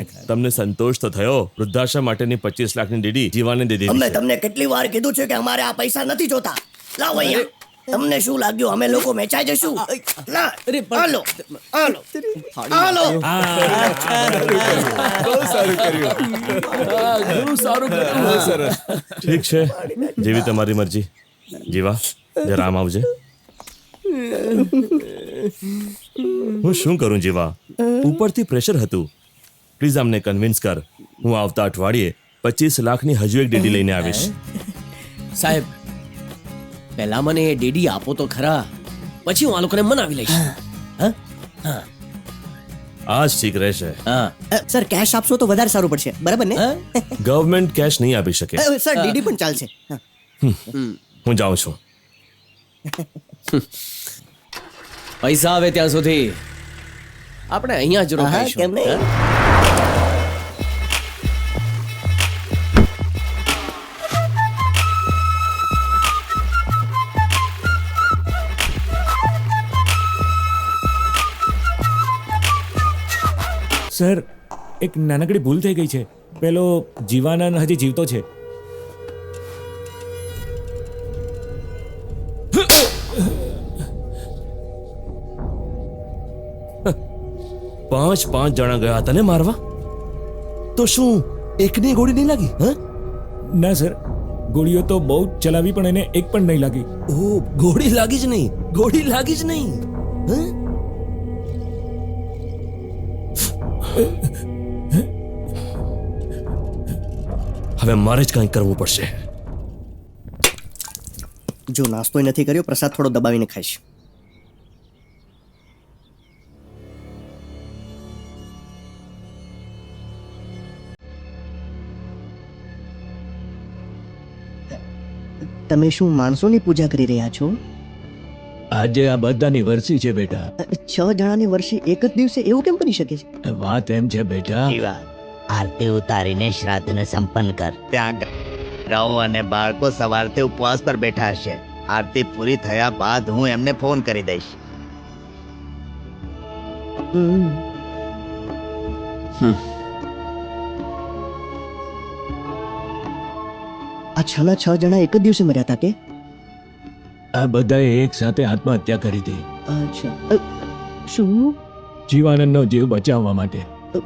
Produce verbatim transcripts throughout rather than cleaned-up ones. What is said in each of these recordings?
નાખ્યા. તમને સંતોષ તો થયો? વૃદ્ધાશ્રમ માટેની પચીસ લાખની ડીડી જીવાને દે દીધી અમે છે. તમને કેટલી વાર કીધું છે કે અમારે આ પૈસા નથી જોતા. લાવો અહીંયા. તમને શું લાગ્યું અમે લોકો વેચાઈ જશું? ના, હાલો, હાલો, હાલો. ઠીક છે, જેવી તમારી મરજી. જીવા, જરા આમ આવજે. હું શું કરું જીવા? ઉપરથી પ્રેશર હતું. પ્લીઝ આમને કન્વિન્સ કર. હું આવતા અઠવાડિયે પચીસ લાખની હજુ એક ડીડી લઈને આવીશ. સાહેબ, પહેલા મને એ ડીડી આપો તો ખરા, પછી હું આ લોકોને મનાવી લઈશ. હા? હા. આ જ ઠીક રહેશે. હા. અ, સર કેશ આપશો તો વધારે સારું પડશે, બરાબર ને? હા? ગવર્મેન્ટ કેશ નહીં આપી શકે. અ, સર ડીડી પણ ચાલશે. હા. હું જાઉં છું. પૈસા આવે ત્યાં સુધી આપણે અહીંયા જ હા, રોકાઈશું. કેમ નહીં? હા? સર, એક નાનકડી ભૂલ થઈ ગઈ છે. પેલો જીવાનંદ હજી જીવતો છે. પાંચ પાંચ જણા ગયા હતા ને મારવા, તો શું એકની ગોળી નહીં લાગી? હા, ના સર, ગોળીઓ તો બહુ જ ચલાવી પણ એને એક પણ નહીં લાગી. ઓ, ગોળી લાગી જ નહીં, ગોળી લાગી જ નહીં. હા? હવે મારે જ કંઈક કરવું પડશે. જો નાસ્તો નથી કર્યો, પ્રસાદ થોડો દબાવીને ખાઈશ. તમે શું માણસોની પૂજા કરી રહ્યા છો? આજે આ બધાની વરસી છે બેટા. છ જણાની વર્ષે એક જ દિવસે એવું કેમ બની શકે છે? વાત એમ છે બેટા, જીવા, આરતી ઉતારીને શ્રાદ્ધને સંપન્ન કર. ત્યાં ગાઉ અને બાળકો સવારથી ઉપવાસ પર બેઠા હશે. આરતી પૂરી થયા બાદ હું એમને ફોન કરી દઈશ. હમ. આ છેલ્લા છ જણા એક જ દિવસે મર્યા હતા કે? આ બધાએ એક સાથે આત્મહત્યા કરી હતી અચ્છા. અ, શું? જીવાનંદનો જીવ બચાવવા માટે.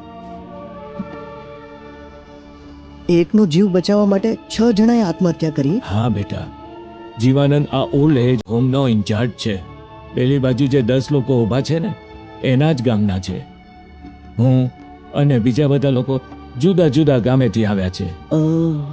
એકનો જીવ બચાવવા માટે છ જણાએ આત્મહત્યા કરી? હા બેટા, જીવાનંદ આ ઓલ્ડ એજ હોમનો ઇન્ચાર્જ છે. પેલી બાજુ જે દસ લોકો ઊભા છે ને, એના જ ગામના છે. હું અને બીજા બધા લોકો જુદા જુદા ગામેથી આવ્યા છે. અ,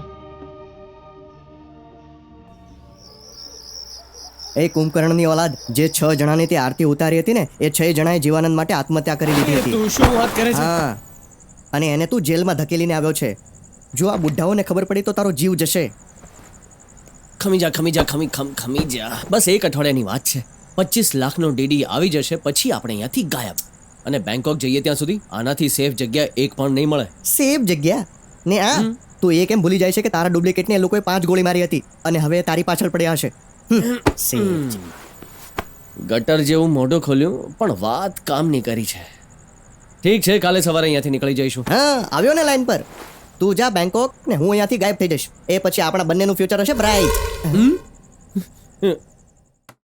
એ કુંભકર્ણની ઓલાદ જે છ જણાની તે આરતી ઉતારી હતી ને, એ છ જણાએ જીવાનંદ માટે આત્મહત્યા કરી લીધી હતી. તું શું વાત કરે છે? હા, અને એને તું જેલમાં ધકેલીને આવ્યો છે. જો આ બુઢ્ઢાઓને ખબર પડી તો તારો જીવ જશે. ખમી જા ખમી જા ખમી ખમ ખમી જા. બસ એક અઠવાડિયાની વાત છે. પચીસ લાખનો ડીડી આવી જશે, પછી આપણે અહીંયાથી ગાયબ. અને બેંકોક જઈએ ત્યાં સુધી આનાથી સેફ જગ્યા એક પણ નહીં મળે. સેફ જગ્યા ને આ તું એ કેમ ભૂલી જાય છે કે તારા ડુપ્લિકેટને એ લોકોએ પાંચ ગોળી મારી હતી અને હવે તારી પાછળ પડ્યા હશે. હમ, safe જગ્યા. ગટર જેવું મોઢું ખોલ્યું પણ વાત કામની કરી છે. ઠીક છે, કાલે સવારે અહીંયાથી નીકળી જઈશું. હા, આવ્યો ને લાઈન પર. તું જા બેંકોક ને હું અહીંયાથી ગાયબ થઈ જઈશ. એ પછી આપણા બંનેનું ફ્યુચર હશે બ્રાઇટ.